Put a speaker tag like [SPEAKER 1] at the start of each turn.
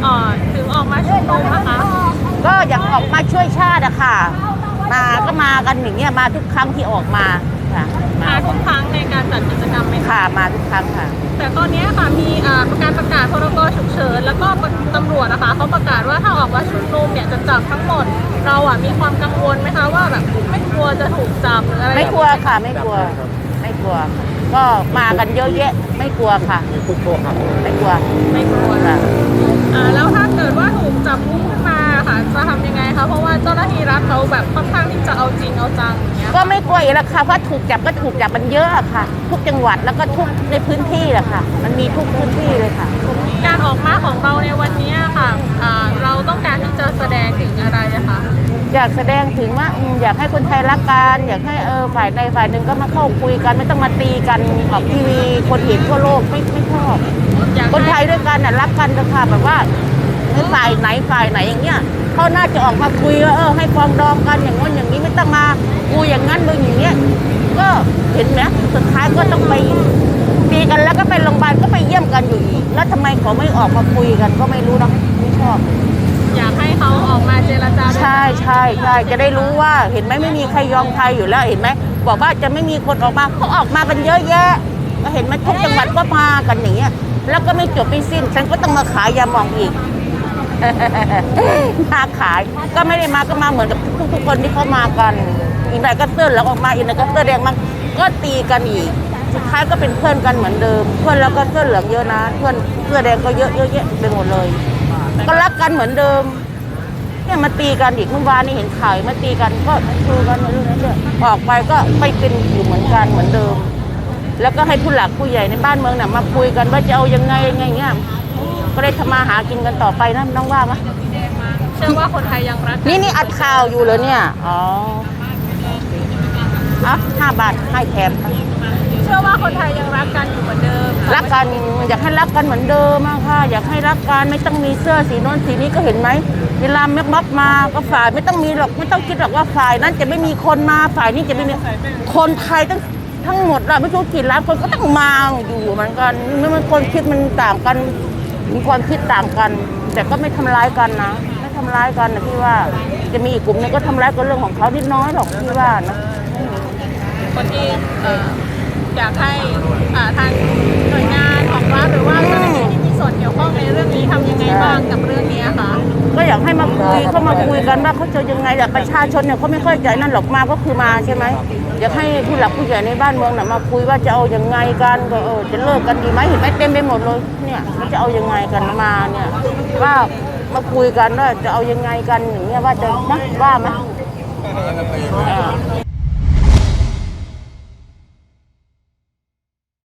[SPEAKER 1] ถึงออกมาชุมนุมนะคะ
[SPEAKER 2] ก็อยากออกมาช่วยชาติอะค่ะมากันอย่างเงี้ยมาทุกครั้งที่ออกมาค่ะ
[SPEAKER 1] มาทุกครั้งในการจัดกิจกรรมไหมคะ
[SPEAKER 2] ค่ะมาทุกครั้งค่ะ
[SPEAKER 1] แต่ตอนนี้ค่ะมีการประกาศพรกฉุกเฉินแล้วก็ตำรวจนะคะเขาประกาศว่าถ้าออกมาชุมนุมเนี่ยจะจับทั้งหมดเรามีความกังวลไหมคะว่าแบบไม่กลัวจะถูกจับหรืออะไร
[SPEAKER 2] ไม่กลัวค่ะไม่กลัวไม่กลัว ก็มากันเยอะแยะไม่กลัวค่ะไม่กลัว
[SPEAKER 1] ไม่กลัว
[SPEAKER 2] ค่ะ
[SPEAKER 1] แล้วถ้าเกิดว่าถูกจับกุมขึ้นมาค่ะจะทำยังไงคะเพราะว่าเจ้าหน้าที่รัฐเขาแบบค่อนข้างที่จะเอาจริงเอาจังอย่างเงี้ย
[SPEAKER 2] ก็ไม่กลัวอีกแล้วค่ะเพราะถูกจับก็ถูกจับมันเยอะค่ะทุกจังหวัดแล้วก็ทุกในพื้นที่แหละค่ะมันมีทุกพื้นที่เลยค่ะ
[SPEAKER 1] การออกมาของเราในวันนี้ค่ะเราต้องการที่จะแสดงถึงอะไรนะคะ
[SPEAKER 2] อยากแสดงถึงว่าอยากให้คนไทยรักกันอยากให้ฝ่ายใดฝ่ายหนึ่งก็มาเข้าคุยกันไม่ต้องมาตีกันออกทีวีคนเห็นทั่วโลกไม่ชอบคนไทยด้วยกันน่ะรักกันนะคะแบบว่าฝ่ายไหนอย่างเงี้ยเขาน่าจะออกมาคุยว่าให้ปรองดองกันอย่างงั้นอย่างนี้ไม่ต้องมากูอย่างนั้นมึงอย่างเงี้ยก็เห็นไหมสุดท้ายก็ต้องไปตีกันแล้วก็ไปโรงพยาบาลก็ไปเยี่ยมกันอยู่อีกแล้วทำไมเขาไม่ออกมาคุยกันก็ไม่รู้นะไม่ชอบ
[SPEAKER 1] อยากให้เขาออกมาเจรจา
[SPEAKER 2] ใช่จะได้รู้ว่าเห็นไหมไม่มีใครยอมใครอยู่แล้วเห็นไหมบอกว่าจะไม่มีคนออกมาเขาออกมากันเยอะแยะก็เห็นไหมทุกจังหวัดก็มากันอย่างเงี้ยแล้วก็ไม่จบไม่สิ้นฉันก็ต้องมาขายยาหม่องอีกมาขายก็ไม่ได้มาก็มาเหมือนกับทุกคนที่เขามากันอีกหน่อยก็เสื้อเหลืองออกมาอีกหน่อยก็เสื้อแดงมาก็ตีกันอีกสุดท้ายก็เป็นเพื่อนกันเหมือนเดิมเพื่อนแล้วก็เสื้อเหลืองเยอะนะเพื่อนเสื้อแดงก็เยอะแยะไปหมดเลยก็รักกันเหมือนเดิมเนี่ยมาตีกันอีกเมื่อวานนี้เห็นข่าวมาตีกันก็ดูกันเรื่องนั้นด้วยออกไปก็ไม่เป็นอยู่เหมือนกันเหมือนเดิมแล้วก็ให้ผู้หลักผู้ใหญ่ในบ้านเมืองน่ะมาคุยกันว่าจะเอายังไงเงี้ยก็ได้ทำมาหากินกันต่อไปนะน้องว่าไหม
[SPEAKER 1] เชื่อว่าคนไทยยังรัก
[SPEAKER 2] นี่อัดข่าวอยู่เลยเนี่ยอ๋อ5 บาทให้แถม
[SPEAKER 1] เชื่อว่าคนไทยยังรักกันอยู่เหมือนเดิม
[SPEAKER 2] รักกันอยากให้รักกันเหมือนเดิมค่ะอยากให้รักกันไม่ต้องมีเสื้อสีโน้นสีนี้ก็เห็นไหมเวลาแม็กม็อบมาก็ฝ่ายไม่ต้องมีหรอกไม่ต้องคิดหรอกว่าฝ่ายนั้นจะไม่มีคนมาฝ่ายนี้จะไม่มีคนไทยทั้งหมดเราไม่รู้กี่ล้านคนก็ต้องมาอยู่เหมือนกันไม่มันคนคิดมันต่างกันมีความคิดต่างกันแต่ก็ไม่ทำร้ายกันนะไม่ทำร้ายกันนะพี่ว่าจะมีอีกกลุ่มนึงก็ทำร้ายกันเรื่องของเขานิดน้อยหรอกพี่ว่านะ
[SPEAKER 1] คนที่อยากให้ทางหน่วยงานของรัฐหรือว่าเจ้าหน้าที่ที่มีส่วนเกี่ยวข้องในเรื่องนี้ทำยังไงบ้างกับเรื่องนี้คะ
[SPEAKER 2] ก็อยากให้มาคุยเข้ามาคุยกันว่าเขาจะยังไงแต่ประชาชนเนี่ยเขาไม่ค่อยใจนั่นหรอกมาก็คือมาใช่ไหมอยากให้ผู้หลักผู้ใหญ่ในบ้านเมืองน่ะมาคุยว่าจะเอายังไงกันก็จะเลิกกันดีไหมเห็นไหมเต็มไปหมดเลยเนี่ยจะเอายังไงกันมาเนี่ยว่ามาคุยกันว่าจะเอายังไงกันอย่างเงี้ยว่าจะนะว่าไหม